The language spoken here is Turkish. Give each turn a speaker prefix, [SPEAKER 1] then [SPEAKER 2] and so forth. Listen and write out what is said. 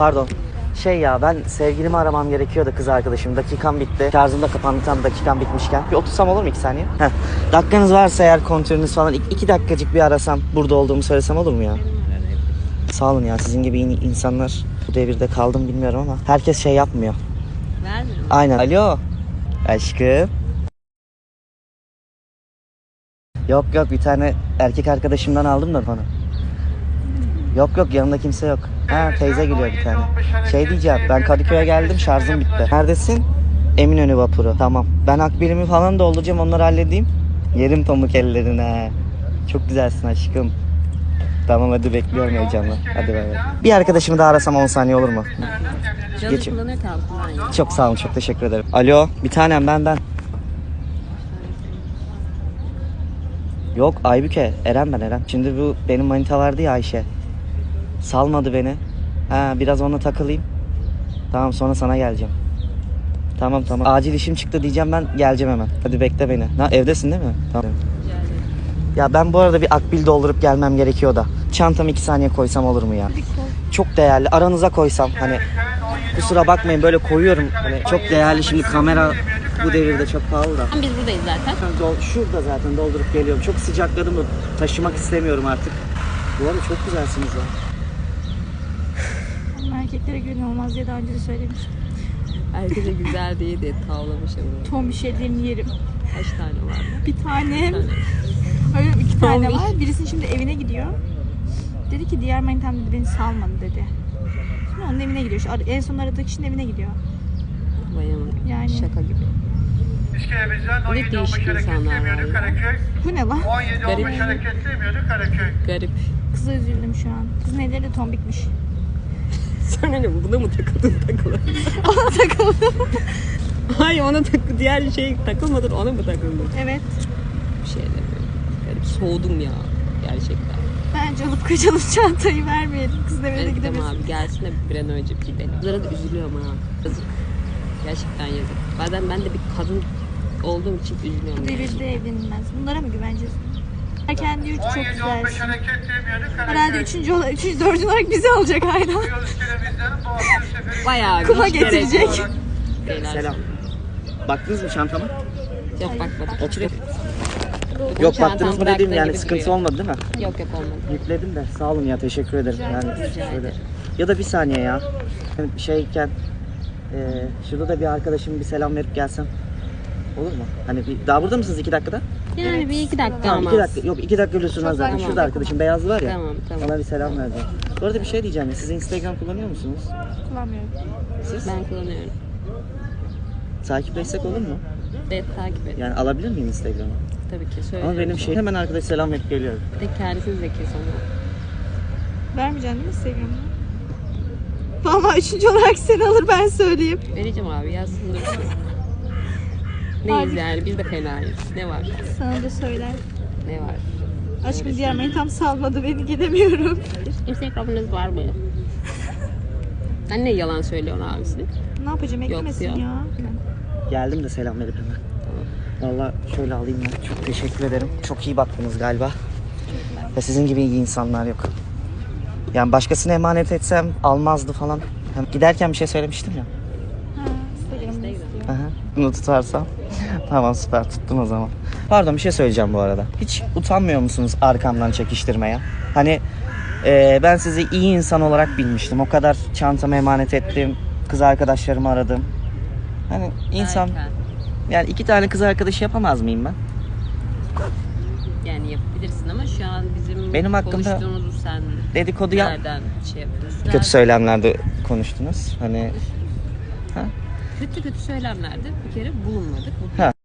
[SPEAKER 1] Pardon. Ben sevgilimi aramam gerekiyordu, kız arkadaşım. Dakikam bitti. Şarjım da kapandı, tam dakikam bitmişken. Bir otursam olur mu 2 saniye? Dakikanız varsa eğer, kontürünüz falan 2 dakikacık bir arasam, burada olduğumu söylesem olur mu ya? Sağ olun ya, sizin gibi iyi insanlar bu devirde kaldım bilmiyorum ama herkes yapmıyor.
[SPEAKER 2] Vermiyor mu?
[SPEAKER 1] Aynen. Alo. Aşkım. Yok bir tane erkek arkadaşımdan aldım da bana. Yok yanımda kimse yok. Teyze geliyor bir tane. Diyeceğim, ben Kadıköy'e geldim, şarjım bitti. Neredesin? Eminönü vapuru. Tamam. Ben akbilimi falan dolduracağım, onları halledeyim. Yerim pamuk ellerine. Çok güzelsin aşkım. Tamam hadi, bekliyorum heyecanla. Hadi bay bay. Bir arkadaşımı daha arasam 10 saniye olur mu?
[SPEAKER 2] Canım kullanıyor kalsın.
[SPEAKER 1] Çok sağ olun, çok teşekkür ederim. Alo, bir tanem ben. Yok Aybüke, Eren. Şimdi bu benim manita vardı ya, Ayşe. Salmadı beni. Biraz onunla takılayım. Tamam, sonra sana geleceğim. Tamam. Acil işim çıktı diyeceğim, ben geleceğim hemen. Hadi bekle beni. Evdesin değil mi? Tamam. Ya ben bu arada bir akbil doldurup gelmem gerekiyor da. Çantamı 2 saniye koysam olur mu ya? Çok değerli. Aranıza koysam hani. Kusura bakmayın, böyle koyuyorum. Hani çok değerli, şimdi kamera bu devirde çok pahalı da.
[SPEAKER 2] Biz buradayız zaten.
[SPEAKER 1] Şurada zaten doldurup geliyorum. Çok sıcakladım da taşımak istemiyorum artık. Bu arada çok güzelsiniz ya.
[SPEAKER 3] Erkeklere güven olmaz diye daha önce de söylemiştim.
[SPEAKER 2] Herkese güzel diye de tavlamış ama.
[SPEAKER 3] Tom bir şey diyeyim yerim.
[SPEAKER 2] Kaç tane var?
[SPEAKER 3] Bir tane. Öyle 2 tane var. Birisinin şimdi evine gidiyor. Dedi ki diğer manitam dedi beni salmadı dedi. Şimdi onun evine gidiyor. En son aradığı kişinin evine gidiyor.
[SPEAKER 2] Bayanın
[SPEAKER 3] Yani.
[SPEAKER 2] şaka gibi. Ne değişik insanlar var ya.
[SPEAKER 3] Bu ne lan?
[SPEAKER 2] Garip.
[SPEAKER 3] Kıza üzüldüm şu an. Kızın elleri de tombikmiş.
[SPEAKER 2] Sonra ne, buna mı takıldın
[SPEAKER 3] Ona takıldım.
[SPEAKER 2] Hayır, ona diğer şey takılmadın, ona mı takıldın?
[SPEAKER 3] Evet.
[SPEAKER 2] Bir şey demiyorum. Garip, soğudum ya gerçekten.
[SPEAKER 3] Bence alıp kaçalım, çantayı vermeyelim. Kızın evine de
[SPEAKER 2] Evet,
[SPEAKER 3] gidemeyiz.
[SPEAKER 2] tamam abi, gelsin de bir an önce bir gidelim. Kızlara da üzülüyorum ha. Yazık. Gerçekten yazık. Bazen ben de bir kadın olduğum için üzülüyorum.
[SPEAKER 3] Devirde evlenilmez. Bunlara mı güveneceğiz? Herken diyor ki çok güzelsin. Herhalde 4. olarak bizi alacak aynen.
[SPEAKER 2] Bayağı
[SPEAKER 3] Kuma
[SPEAKER 2] hiç gerek
[SPEAKER 3] getirecek.
[SPEAKER 2] yok. Beyler,
[SPEAKER 1] Selam. Baktınız mı çantama?
[SPEAKER 2] Yok bakmadım.
[SPEAKER 1] Oturayım.
[SPEAKER 2] Bu
[SPEAKER 1] Yok
[SPEAKER 2] çantam
[SPEAKER 1] baktınız mı
[SPEAKER 2] bıraktığın
[SPEAKER 1] dediğim, yani
[SPEAKER 2] gibi
[SPEAKER 1] sıkıntı
[SPEAKER 2] duruyor.
[SPEAKER 1] olmadı değil mi?
[SPEAKER 2] Yok olmadı.
[SPEAKER 1] Yükledim de, sağ olun ya, teşekkür ederim.
[SPEAKER 2] Rica ederim.
[SPEAKER 1] Ya da bir saniye ya. Şurada da bir arkadaşım bir selam verip gelsem. Olur mu? Hani daha burada mısınız 2 dakikada?
[SPEAKER 2] Yani bir 2 dakika
[SPEAKER 1] Tamam,
[SPEAKER 2] olmaz.
[SPEAKER 1] 2 dakika. Yok 2 dakika bile sürmez zaten.
[SPEAKER 2] Tamam.
[SPEAKER 1] Şurada arkadaşım beyazlı var ya.
[SPEAKER 2] Tamam.
[SPEAKER 1] Ona bir selam vereceğim. Bu arada bir şey diyeceğim ya. Siz Instagram kullanıyor musunuz?
[SPEAKER 3] Kullanmıyorum.
[SPEAKER 1] Siz?
[SPEAKER 2] Ben kullanıyorum.
[SPEAKER 1] Takipleşsek olur mu?
[SPEAKER 2] Evet, takip et.
[SPEAKER 1] Yani alabilir miyim Instagram'ı?
[SPEAKER 2] Tabii ki söyle.
[SPEAKER 1] Ama benim hemen arkadaş selam verip geliyorum.
[SPEAKER 2] Bir de kendisi zeki sonra.
[SPEAKER 3] Vermeyeceksin değil mi Instagram'ı? Valla 3. olarak seni alır, ben söyleyeyim.
[SPEAKER 2] Vereceğim abi, yazsın dursun. Neyiz yani, biz de fenayız. Ne var?
[SPEAKER 3] Sana da söyler.
[SPEAKER 2] Ne var?
[SPEAKER 3] Aşkım diğer manitam salmadı beni, gidemiyorum.
[SPEAKER 2] Instagram'ınız var mı? Sen ne yalan söylüyorsun abisi?
[SPEAKER 3] Ne yapacağım, eklemesin
[SPEAKER 2] Yok.
[SPEAKER 3] ya.
[SPEAKER 1] Geldim de selam verip hemen. Valla şöyle alayım ben. Çok teşekkür ederim. Çok iyi baktınız galiba. Ve sizin gibi iyi insanlar yok. Yani başkasına emanet etsem almazdı falan. Hem giderken bir şey söylemiştim ya.
[SPEAKER 3] Ha, Instagram'ını istiyor.
[SPEAKER 1] Aha, bunu tutarsam. Tamam, süper, tuttum o zaman. Pardon, bir şey söyleyeceğim bu arada. Hiç utanmıyor musunuz arkamdan çekiştirmeye? Hani ben sizi iyi insan olarak bilmiştim. O kadar çantamı emanet ettim. Kız arkadaşlarımı aradım. Hani insan... Yani 2 tane kız arkadaşı yapamaz mıyım ben?
[SPEAKER 2] Yani yapabilirsin ama şu an bizim
[SPEAKER 1] Benim hakkımda
[SPEAKER 2] konuştuğumuzu sen
[SPEAKER 1] dedikodu
[SPEAKER 2] nereden şey yapıyorsun?
[SPEAKER 1] kötü söylemlerde konuştunuz. Hani
[SPEAKER 2] Kötü söylemlerde bir kere bulunmadık.
[SPEAKER 1] Ha.